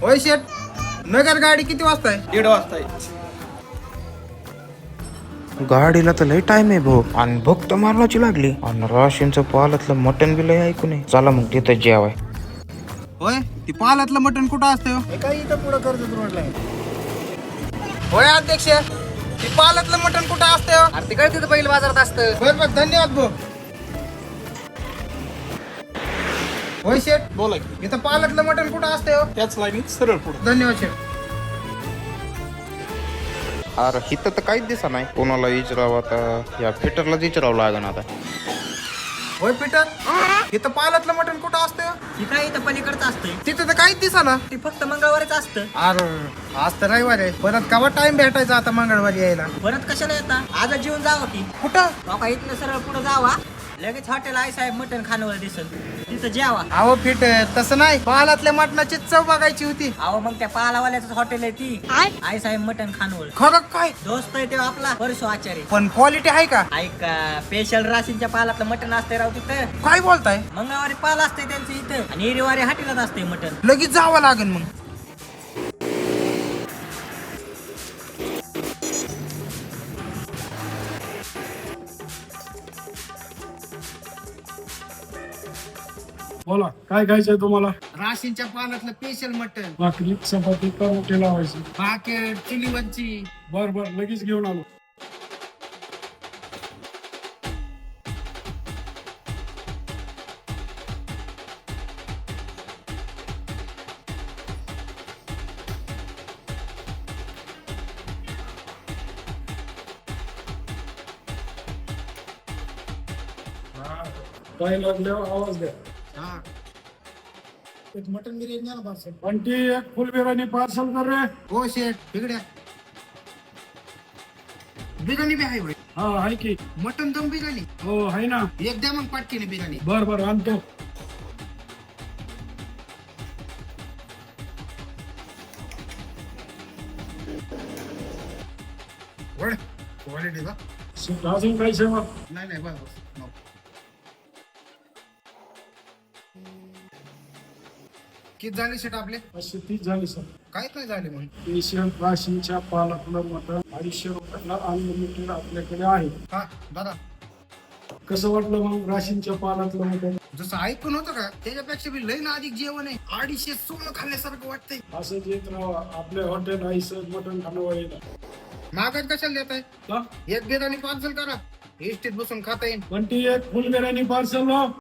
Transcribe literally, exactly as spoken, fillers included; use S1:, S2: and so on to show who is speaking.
S1: होय शेट, नगर गाडी किती वाजता आहे?
S2: दीड वाजता आहे.
S3: गाडीला तर लय टाइम आहे भाऊ आणि भूक तर मारण्याची लागली आणि राशींचं पालातलं मटन बी लय ऐकू नये. चला मग तिथं जेवाय.
S1: होय, ती पालातलं मटण कुठं असतं हो?
S2: हे काय इथं पुढं कर्जत रोडला आहे.
S1: होय अध्यक्ष, ती पालातलं मटण कुठं असतं हो?
S4: अरे तिकडे तिथं पहिलं बाजारात असतं.
S1: बर बर, धन्यवाद भाऊ. होय शेट,
S2: बोला की
S1: इथं पालातलं मटण कुठं असतं हो?
S2: त्याच लाईनीत सरळ पुढं.
S1: धन्यवाद शेट.
S3: अरे हिथं तर काहीच दिसा नाही. कोणाला विचारावं आता? या फिटरलाच विचारावं लागेल आता.
S1: होय पीटर, इथं पालातलं मटण कुठं असतं हो?
S4: ती काय इथं पलीकडचं असतंय.
S1: तिथं तर काहीच दिसाना.
S4: ती फक्त मंगळवारीच असतं.
S1: अरे आज तर रविवार आहे, परत केव्हा टाइम भेटायचा आता मंगळवारी यायला?
S4: परत कशाला येता? आज जेवून जावं की.
S1: कुठं?
S4: बाबा इथनं सरळ पुढे जावा, लगेच हॉटेल आई साहेब मटण खाण्यावर दिसल, तिथं जेवा.
S1: अहो पीटर, तसं नाही, पालातल्या मटणाची चव बघायची होती.
S4: अहो मग त्या पालावाल्याच हॉटेल आहे ती आई साहेब मटण खानवळ.
S1: खरं काय?
S4: दोस्त आहे तेव्हा आपला परसो आचार्य.
S1: पण क्वालिटी आहे का?
S4: ऐका, स्पेशल राशींच्या पालातलं मटण असते राव तिथं.
S1: काय बोलताय?
S4: मंगळवारी पाल असते त्यांचं इथं आणि रविवारी हॉटेलात असते मटण.
S1: लगेच जावं लागेल मग.
S5: बोला काय खायचंय तुम्हाला?
S1: राशींच्या पालातलं स्पेशल मटण,
S5: भाकरी चपाती परोठे लावायची.
S1: भाकर, चिलीवरची.
S5: बर बर लगेच घेऊन आलो. हा, काय लागल्यावर आवाज द्या.
S1: हा. एक मटन बिर्याणी द्या ना पार्सल.
S5: पण ती एक फुल बिर्याणी पार्सल कर रे.
S1: हो शेठ, तिकड्या बिर्याणी बी आहे होय?
S5: हा आहे की.
S1: मटन दम बिर्याणी
S5: हो आहे ना.
S1: एक द्या मग पाटकीने बिर्याणी.
S5: बर बर आणतो.
S1: वळ क्वालिटी का?
S5: अजून काय सेवा?
S1: नाही नाही, बस बस. नको. किती झाले शेट आपले?
S5: अशी तीस झाली सर.
S1: काहीच नाही झाले मग.
S5: स्पेशल राशींच्या पालातलं मटण अडीचशे रुपयाला अनलिमिटेड आपल्याकडे आहे.
S1: हा दादा,
S5: कसं वाटलं मग राशींच्या पालातलं मटण?
S1: जसं ऐकून होतं का त्याच्यापेक्षा बी लई ना अधिक जेवण आहे. अडीचशे सोनं खाल्ल्यासारखं वाटतंय.
S5: असंच येत राहा आपल्या हॉटेल आईसर मटण खाणं येईल.
S1: मागात कशाला देताय?
S5: हा?
S1: एक बिर्याणी पार्सल करा, इष्टीत बसून खाता येईल.
S5: पण ती एक फुल बिर्याणी पार्सल